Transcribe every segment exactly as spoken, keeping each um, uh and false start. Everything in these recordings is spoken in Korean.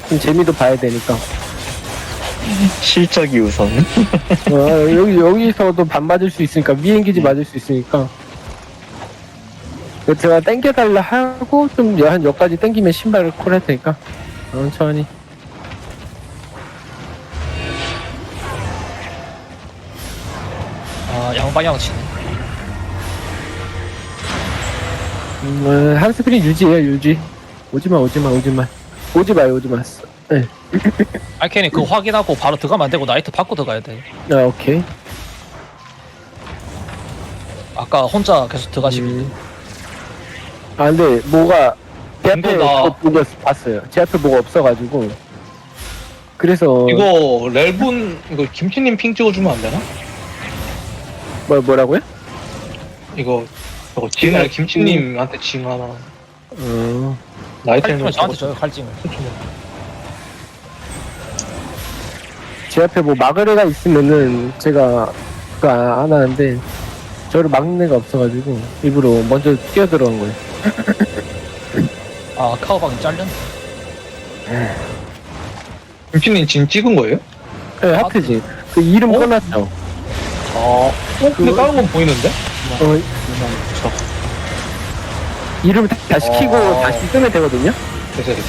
좀 재미도 봐야 되니까. 실적이 우선. 어, 여기, 여기서도 반 맞을 수 있으니까, 미행기지 맞을 수 있으니까. 그래서 제가 땡겨달라 하고, 좀, 한 여기까지 땡기면 신발을 콜할 테니까. 천천히. 아, 양방향 치네. 음, 한 스크린 유지해요, 유지. 오지마, 오지마, 오지마. 오지마, 오지마. 네. 알케니 그거 확인하고 바로 들어가면 안 되고 나이트 받고 들어가야 돼. 아, 오케이. 아까 혼자 계속 들어가시길래. 음. 아, 근데, 뭐가, 제 앞에 이거 나- 그거 보고 봤어요. 제 앞에 뭐가 없어가지고. 그래서, 이거 렐분 이거 김치님 핑 찍어주면 안 되나? 뭐, 뭐라고요? 이거 저거 징 김치님한테 징 하나 어, 나이트는 칼찜을 저한테 줘요, 칼찜을. 제 앞에 뭐 막을 애가 있으면은 제가 그거 안 하는데 저를 막는 애가 없어가지고 일부러 먼저 뛰어들어간 거예요. 아, 카우방이 잘렸네. 김치님 징 찍은 거예요? 네, 하트지. 그 이름 어? 꺼놨죠. 아, 어? 근데 그거- 다른 건 보이는데? 어, 이름 다, 다 시키고 어. 다시 쓰면 되거든요. 됐어 됐어.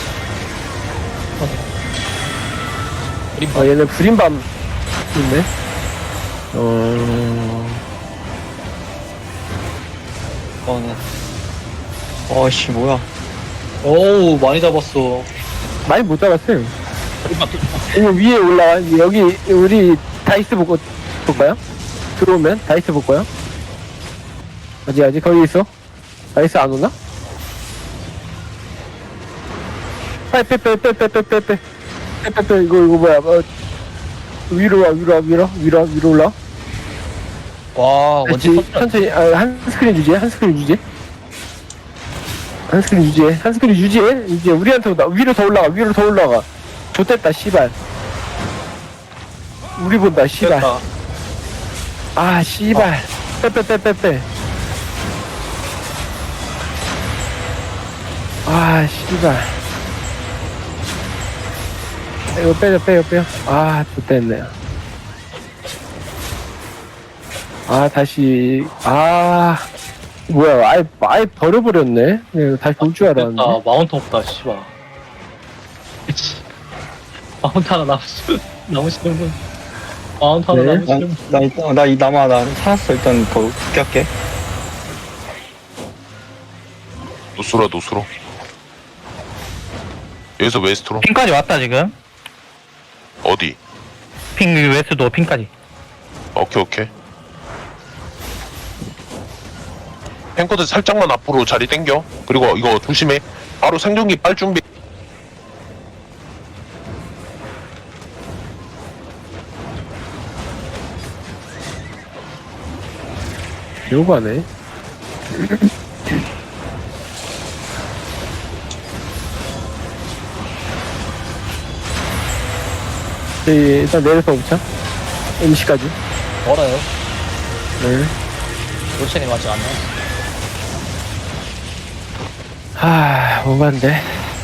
그림 어, 얘는 불인밤 있네. 어, 이거는. 어씨 뭐야? 어우 많이 잡았어. 많이 못 잡았어요. 그림만 이거 위에 올라와. 여기 우리 다이스 보고 볼까요? 들어오면 다이스 볼까요? 아직 아직 거기 있어? 다이스 안 오나? 빨리 빼빼빼빼빼빼빼 빼빼빼 이거 이거 뭐야? 어, 위로 와 위로 와 위로 와, 위로 와, 위로 올라. 와, 원지 다시 터뜨려. 천천히 아, 한 스크린 유지해 한 스크린 유지. 한 스크린 유지해 한 스크린 유지해 이제 우리한테 온다. 위로 더 올라가 위로 더 올라가. 좋됐다 씨발. 우리 본다 씨발. 됐다. 아 씨발 빼빼빼빼빼 아 씨발 이거 빼요 빼요 빼요 아 좋됐네요 아 다시 아 뭐야 아예 아예 버려버렸네 네, 다시 볼 줄 알았는데 됐다. 마운트 없다 씨발. 마운트 하나 남으시 남으시는 분. 마운트 하나 네. 남으시는 분. 나 일단 나이 남아 나 살았어 일단 더 웃겼게. 노스로 노스로 여기서 웨스트로 핑까지 왔다 지금. 어디? 핑 웨스도 핑까지. 오케이 오케이 탱커들 살짝만 앞으로 자리 땡겨 그리고 이거 조심해 바로 생존기 빨 준비 요거하네 네, 일단 내려서 오자 임시까지 멀어요. 네. 로첸이 맞지 않네. 하, 오반데.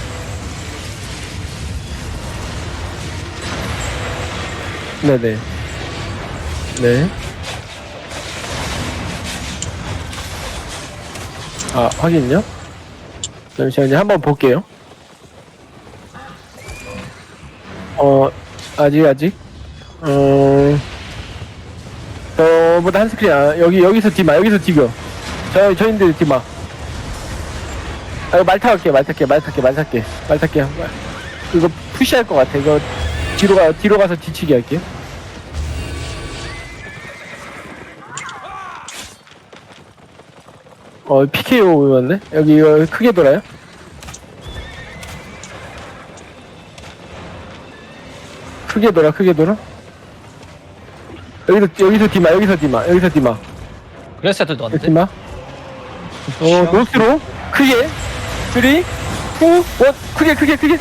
네네. 네. 아, 확인요? 잠시만요. 한번 볼게요. 어, 아직, 아직. 어, 저보다 한 스크린, 아, 여기, 여기서 디마, 여기서 디겨. 저, 저인들 디마. 아, 이거 말 타갈게요, 말 탈게, 말 탈게, 말 탈게, 말 탈게요. 이거 푸시할 것 같아. 이거 뒤로 가, 뒤로 가서 뒤치기 할게요. 어, 피케이오였네? 여기 이거 크게 돌아요? 크게 돌아, 크게 돌아? 여기서, 여기서 디마, 여기서 디마, 여기서 디마. 그래서 애들도 여기 왔는데. 디마. 어, 노스로, 크게. 삼, 이, 일, 크게, 크게, 크게.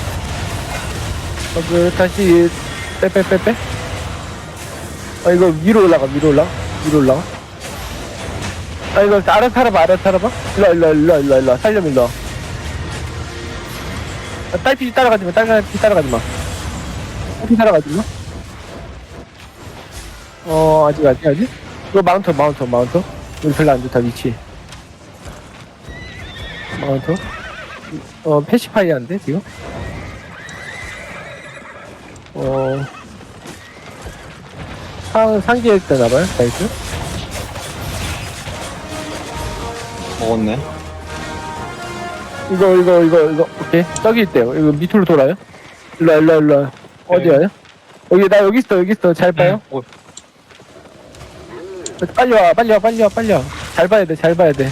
어, 그, 다시, 빼, 빼, 빼, 빼. 아, 이거 위로 올라가, 위로 올라가, 위로 올라가. 아, 이거 알아서 살아봐, 알아서 살아봐. 일로, 일로, 일로, 일로, 일로, 살려면 일로. 아, 딸피 따라가지 마, 딸피 따라가지 마. 딸피 따라가지 마. 어, 아직, 아직, 아직. 이거 마운터, 마운터, 마운터. 우리 별로 안 좋다, 위치. 마운터. 어, 패시파이한데, 지금? 어, 상, 상기에 있다나봐요, 나이스. 먹었네. 이거, 이거, 이거, 이거, 오케이. 저기 있대요. 이거 밑으로 돌아요. 일로와, 일로와, 일로와. 어디 와요? 여기, 나 여기 있어, 여기 있어. 잘 봐요. 어, 빨리 와, 빨리 와, 빨리 와, 빨리 와. 잘 봐야 돼, 잘 봐야 돼.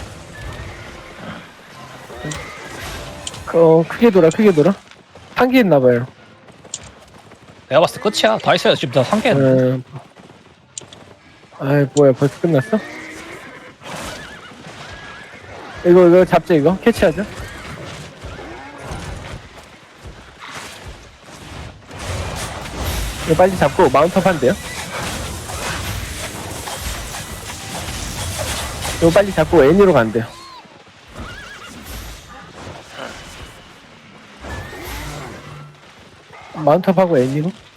어, 크게 돌아, 크게 돌아. 한개 있나봐요. 내가 봤을 때 끝이야. 다 있어요. 지금 다 한 개. 음. 아이, 뭐야, 벌써 끝났어? 이거, 이거 잡자, 이거. 캐치하자. 이거 빨리 잡고 마운트업 한대요. 이거 빨리 잡고 애니로 간대요. 마운트업하고 애니로.